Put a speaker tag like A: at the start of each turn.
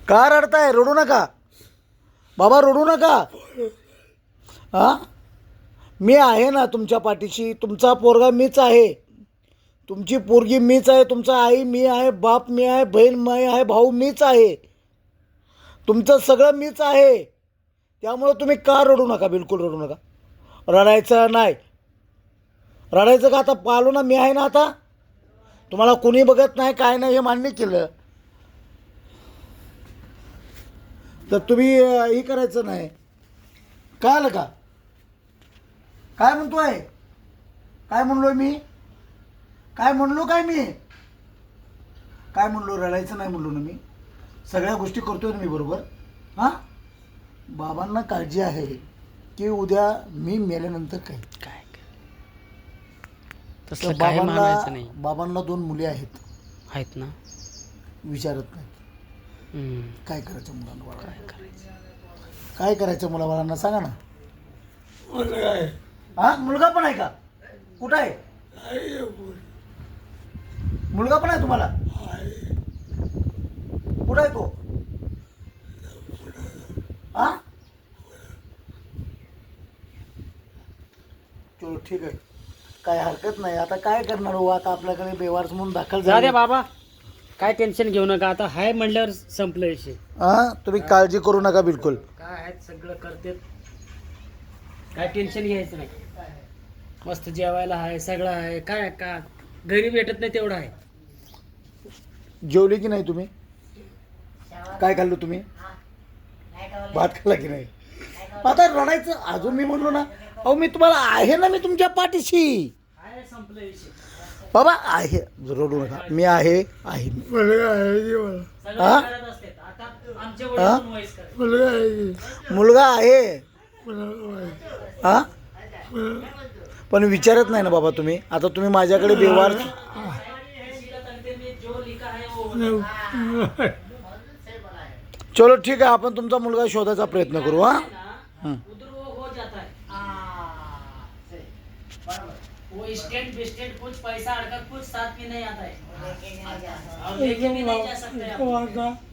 A: का रडताय? रडू नका बाबा, रडू नका. हां, मी आहे ना तुमच्या पाठीशी. तुमचा पोरगा मीच आहे, तुमची पोरगी मीच आहे, तुमचा आई मी आहे, बाप मी आहे, बहीण मी आहे, भाऊ मीच आहे, तुमचं सगळं मीच आहे. त्यामुळं तुम्ही का रडू नका, बिलकुल रडू नका. रडायचं नाही. रडायचं का? आता पालो ना मी आहे ना. आता तुम्हाला कुणी बघत नाही, काय नाही, हे मान्य केलं तर तुम्ही हे करायचं नाही. कळलं का? काय म्हणतोय? काय म्हणलोय मी? काय म्हणलो? काय मी काय म्हणलो? रडायचं नाही म्हणलो ना मी. सगळ्या गोष्टी करतोय ना मी बरोबर. हां, बाबांना काळजी आहे की उद्या मी मेल्यानंतर काय काय
B: तसलं काय मानायचं नाही.
A: बाबांना 2 मुली आहेत
B: ना.
A: विचारत नाही
B: हम्म.
A: काय करायचं मुलांना? काय करायचं मुलाबाळांना सांगा ना. हा, मुलगा पण आहे का? कुठं आहे मुलगा? पण आहे तुम्हाला? कुठं आहे तो? हा, चलो ठीक आहे, काय हरकत नाही. आता काय करणार हो, आता आपल्याकडे बेवारस म्हणून दाखल
B: जा दे
A: झाले.
B: बाबा, काय टेन्शन घेऊ नका. आता हाय म्हणल्यावर संपलं विषय.
A: हा, तुम्ही काळजी करू नका बिलकुल.
B: काय आहेत सगळं करते, काय टेन्शन घ्यायचं नाही. मस्त जेवायला आहे, सगळं आहे. काय का घरी भेटत नाही तेवढं आहे.
A: जेवले की नाही तुम्ही? काय खाल्लं तुम्ही? भात खाल्ला की नाही? आता रडायचं अजून? मी म्हणलो ना, अहो मी तुम्हाला आहे ना, मी तुमच्या पाठीशी.
B: काय संपलं विषय.
A: बाबा आहे, रडू नका. मी आहे.
B: सगळं
A: हा?
B: करत असते. आता आमच्या वडील वयस करत.
A: मुलगा आहे. हा, पण विचारत नाही ना बाबा तुम्ही. आता तुम्ही माझ्याकडे बेवार. चलो ठीक आहे, आपण तुमचा मुलगा शोधायचा प्रयत्न करू. हा,
B: वो स्टेट बिस्टेट कुछ पैसा अड़का कुछ साथ में नहीं आता है। और लेके भी नहीं जा सकते आप।